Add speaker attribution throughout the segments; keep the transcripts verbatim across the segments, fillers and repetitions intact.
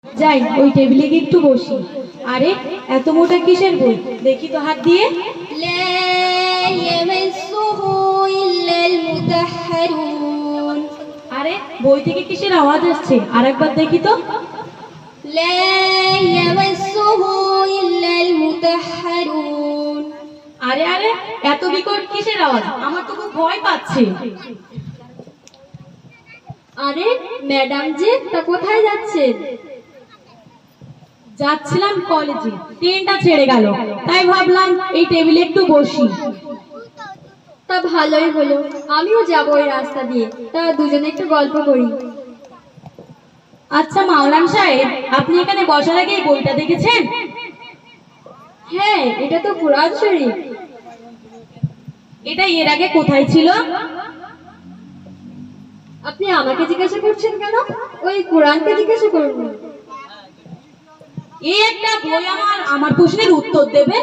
Speaker 1: যাই ওই টেবিলে গিয়ে একটু বসি। আরে এত মোটা কিসের বই, দেখি তো হাত দিয়ে।
Speaker 2: لا يمسه إلا المطهرون।
Speaker 1: আরে বই থেকে কিসের আওয়াজ আসছে, আর একবার দেখি তো।
Speaker 2: لا يمسه إلا المطهرون।
Speaker 1: আরে আরে এত বিকট কিসের আওয়াজ, আমার তো খুব ভয় পাচ্ছে।
Speaker 2: আরে ম্যাডাম জি, তা কোথায় যাচ্ছেন?
Speaker 1: যাচ্ছিলাম কলেজে, ট্রেনটা ছেড়ে গেল, তাই ভাবলাম এই টেবিলে একটু বসি।
Speaker 2: তা ভালোই হলো, আমিও যাবো ওই রাস্তা দিয়ে, তা দুজনে একটু গল্প করি।
Speaker 1: আচ্ছা মাওলানা সাহেব, আপনি এখানে বসার আগে এই বইটা দেখেছেন?
Speaker 2: হ্যাঁ, এটা তো কোরআন শরীফ।
Speaker 1: এটা এর আগে কোথায় ছিল?
Speaker 2: আপনি আমাকে জিজ্ঞাসা করছেন কেন? ওই কোরআনকে জিজ্ঞাসা করুন।
Speaker 1: এই একটা বই আমার আমার প্রশ্নের উত্তর দেবে?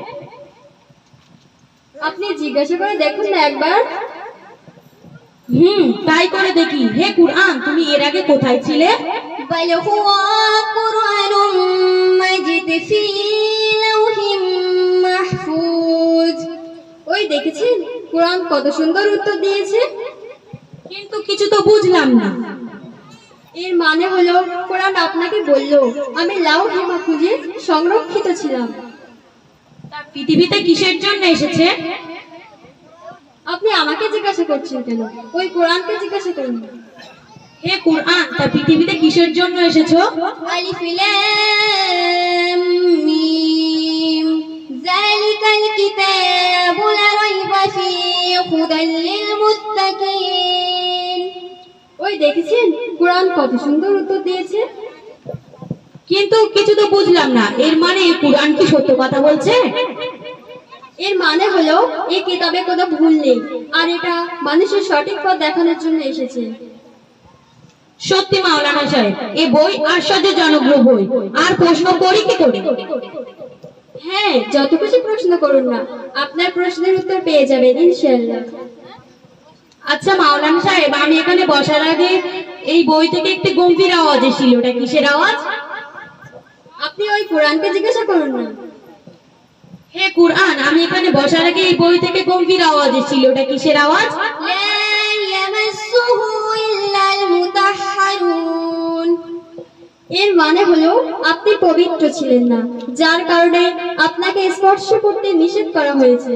Speaker 2: আপনি জিজ্ঞাসা করে দেখুন না একবার।
Speaker 1: হুম, তাই করে দেখি। হে কুরআন, তুমি এর আগে কোথায় ছিলে?
Speaker 2: بل هو قرآن مجيد في لوح محفوظ। ওই দেখেছেন, কোরআন কত সুন্দর উত্তর দিয়েছে।
Speaker 1: কিন্তু কিছু তো বুঝলাম না।
Speaker 2: এর মানে হলো, কোরআন আপনাকে বললো আমি লাউহে মাহফুজে সংরক্ষিত ছিলাম।
Speaker 1: তা পৃথিবীতে কিসের জন্য এসেছে?
Speaker 2: আপনি আমাকে জিজ্ঞাসা করছেন কেন? ওই কোরআনকে জিজ্ঞাসা করুন।
Speaker 1: হে কুরআন, তা পৃথিবীতে কিসের জন্য এসেছো?
Speaker 2: আলিফ লাম মিম যালিকাল কিতাবু লা রাইবা ফীহি হুদাল লিল মুত্তাকিন। ওই দেখেছেন, কোরআন কত সুন্দর উত্তর দিয়েছে।
Speaker 1: কিন্তু কিছু তো বুঝলাম না। এর মানে এই কুরআন কি সত্য কথা বলছে?
Speaker 2: এর মানে হলো, এই কিতাবে কোনো ভুল নেই, আর এটা মানুষের সঠিক পথ দেখানোর জন্য এসেছে।
Speaker 1: সত্যি মাওলানা সাহেব, এই বই আশ্চর্যজনক বই। আর প্রশ্ন করি কি করে?
Speaker 2: হ্যাঁ, যত কিছু প্রশ্ন করুন না, আপনার প্রশ্নের উত্তর পেয়ে যাবেন ইনশাআল্লাহ।
Speaker 1: আচ্ছা মাওলানা সাহেব, আমি এখানে বসার আগে এই বই থেকে একটি গম্ভীর আওয়াজ এসেছিল, ওটা কিসের আওয়াজ?
Speaker 2: আপনি ওই কোরআনকে জিজ্ঞাসা করুন না।
Speaker 1: হে কুরআন, আমি এখানে বসার আগে এই বই থেকে গম্ভীর আওয়াজ এসেছিল, ওটা কিসের আওয়াজ?
Speaker 2: লা ইয়ামাসসুহু ইল্লাল মুতাহহারুন। এর মানে হলো, আপনি পবিত্র ছিলেন না, যার কারণে আপনাকে স্পর্শ করতে নিষেধ করা হয়েছে।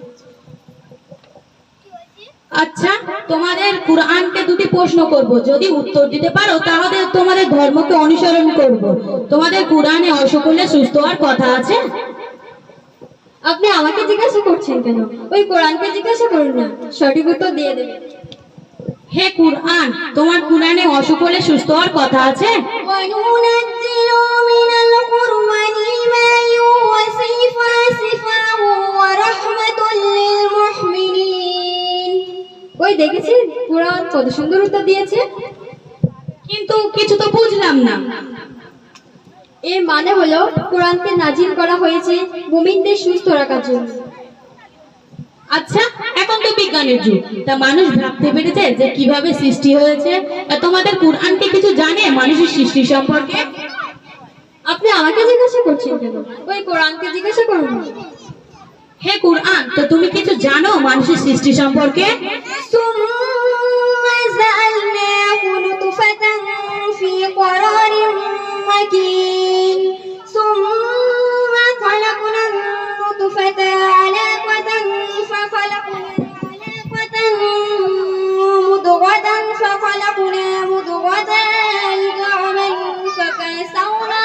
Speaker 1: আচ্ছা, তোমাদের কুরআনকে দুটি প্রশ্ন করব, যদি উত্তর দিতে পারো তাহলে তোমাদের ধর্মকে অনুসরণ করব। তোমাদের কুরআনে অসকলে সুস্থ হওয়ার কথা আছে?
Speaker 2: আপনি আমাকে জিজ্ঞাসা করছেন কেন? ওই কোরআনকে জিজ্ঞাসা করুন না, সঠিক উত্তর দিয়ে দেবে।
Speaker 1: হে কুরআন, তোমার কুরআনে অসকলে সুস্থ হওয়ার কথা আছে?
Speaker 2: وَنُنَزِّلُ مِنَ الْقُرْآنِ مَا هُوَ شِفَاءٌ وَرَحْمَةٌ لِّلْمُؤْمِنِينَ। ওই দেখেছেন, কোরআন কত সুন্দর উত্তর দিয়েছে।
Speaker 1: কিন্তু কিছু তো বুঝলাম না।
Speaker 2: এর মানে হলো, কোরআনকে নাজিল করা হয়েছে মুমিনদের সুস্থ রাখার জন্য।
Speaker 1: আচ্ছা, এখন তো বিজ্ঞানের যুগ, তা মানুষ ভাবতে পেরেছে যে কিভাবে সৃষ্টি হয়েছে। তা তোমাদের কুরআন কি কিছু জানে মানুষের সৃষ্টি সম্পর্কে?
Speaker 2: আপনি আমাকে জিজ্ঞাসা করছেন কেন? ওই কোরআনকে জিজ্ঞাসা করুন।
Speaker 1: হে কুরআন, তো তুমি কিছু জানো মানুষের সৃষ্টি সম্পর্কে?
Speaker 2: ثُمَّ جَعَلْنَاهُ نُطْفَةً فِي قَرَارٍ مَّكِينٍ ثُمَّ خَلَقْنَا النُّطْفَةَ عَلَقَةً فَخَلَقْنَا الْعَلَقَةَ مُضْغَةً فَخَلَقْنَا مُضْغَةً عِظَامًا فَكَسَوْنَا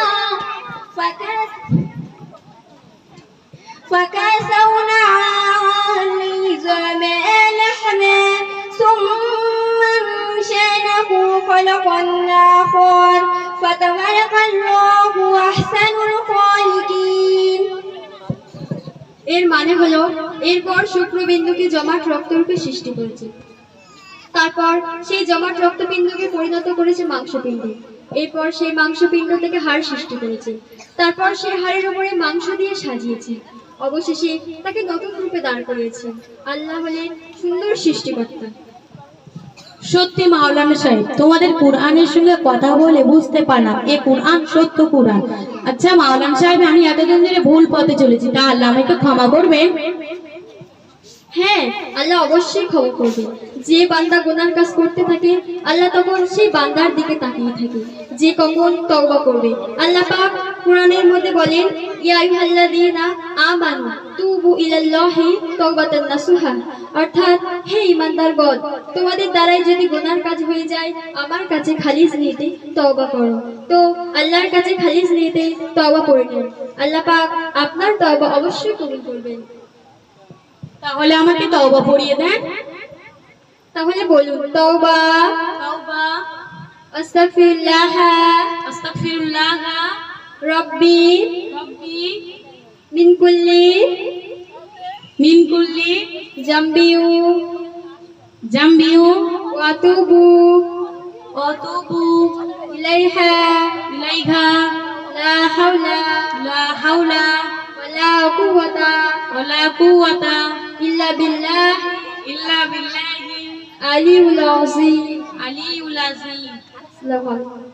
Speaker 2: فكسونا العظام لحما ثم انشأناه خلقا آخر فتبارك الله أحسن الخالقين। এর মানে হলো, এরপর শুক্রবিন্দুকে জমাট রক্তরূপে সৃষ্টি করেছে, তারপর সেই জমাট রক্তপিণ্ডকে পরিণত করেছে মাংসপিণ্ডে, এরপর সেই মাংসপিণ্ড থেকে হাড় সৃষ্টি করেছে, তারপর সেই হাড়ের উপরে মাংস দিয়ে সাজিয়েছে, অবশেষে তাকে নতুন রূপে দাঁড় করিয়েছে। আল্লাহ হলেন সুন্দর সৃষ্টিকর্তা।
Speaker 1: সত্যি মাওলানা সাহেব, তোমাদের কোরআনের সঙ্গে কথা বলে বুঝতে পারলাম এ কোরআন সত্য কোরআন। আচ্ছা মাওলানা সাহেব, আমি এতদিন ধরে ভুল পথে চলেছি, তা আল্লাহ আমাকে ক্ষমা করবেন?
Speaker 2: হ্যাঁ, আল্লাহ অবশ্যই ক্ষমা করবে। যে বান্দা গুনার কাজ করতে থাকে আল্লাহ তখন সেই বান্দার দিকে তাকিয়ে থাকে যে কখন তওবা করবে। আল্লাহ পাক কোরআনের মধ্যে বলেন, ইয়া আইয়ুহাল্লাযীনা আমানু তুবু ইলাল্লাহি তাওবাতান নাসুহা, অর্থাৎ হে ঈমানদারগণ, তোমাদের দ্বারাই যদি গুনার কাজ হয়ে যায় আমার কাছে খালিস নিতে তওবা করো। তো আল্লাহর কাছে খালিস নিতে তওবা করে নিন, আল্লাহ পাক আপনার তওবা অবশ্যই কবুল করবেন।
Speaker 1: তাহলে আমাকে তওবা পড়িয়ে দেন।
Speaker 2: তাহলে বলুন, তওবা
Speaker 1: তাওবা,
Speaker 2: আস্তাগফিরুল্লাহ
Speaker 1: আস্তাগফিরুল্লাহ
Speaker 2: রব্বি
Speaker 1: রব্বি
Speaker 2: মিন কুল্লি
Speaker 1: মিন কুল্লি
Speaker 2: জামবিউ
Speaker 1: জামবিউ
Speaker 2: ওয়া আতুবু
Speaker 1: ওয়া আতুবু
Speaker 2: ইলাইহা
Speaker 1: ইলাইহা
Speaker 2: লা হাওলা
Speaker 1: লা হাওলা
Speaker 2: ওয়ালা কুওয়াতা
Speaker 1: ওয়ালা কুওয়াতা
Speaker 2: ইল্লা বিল্লাহ
Speaker 1: ইল্লা বিল্লাহি
Speaker 2: আলিউল আযীম।
Speaker 1: আলিউল আযীম।
Speaker 2: আসসালামু আলাইকুম।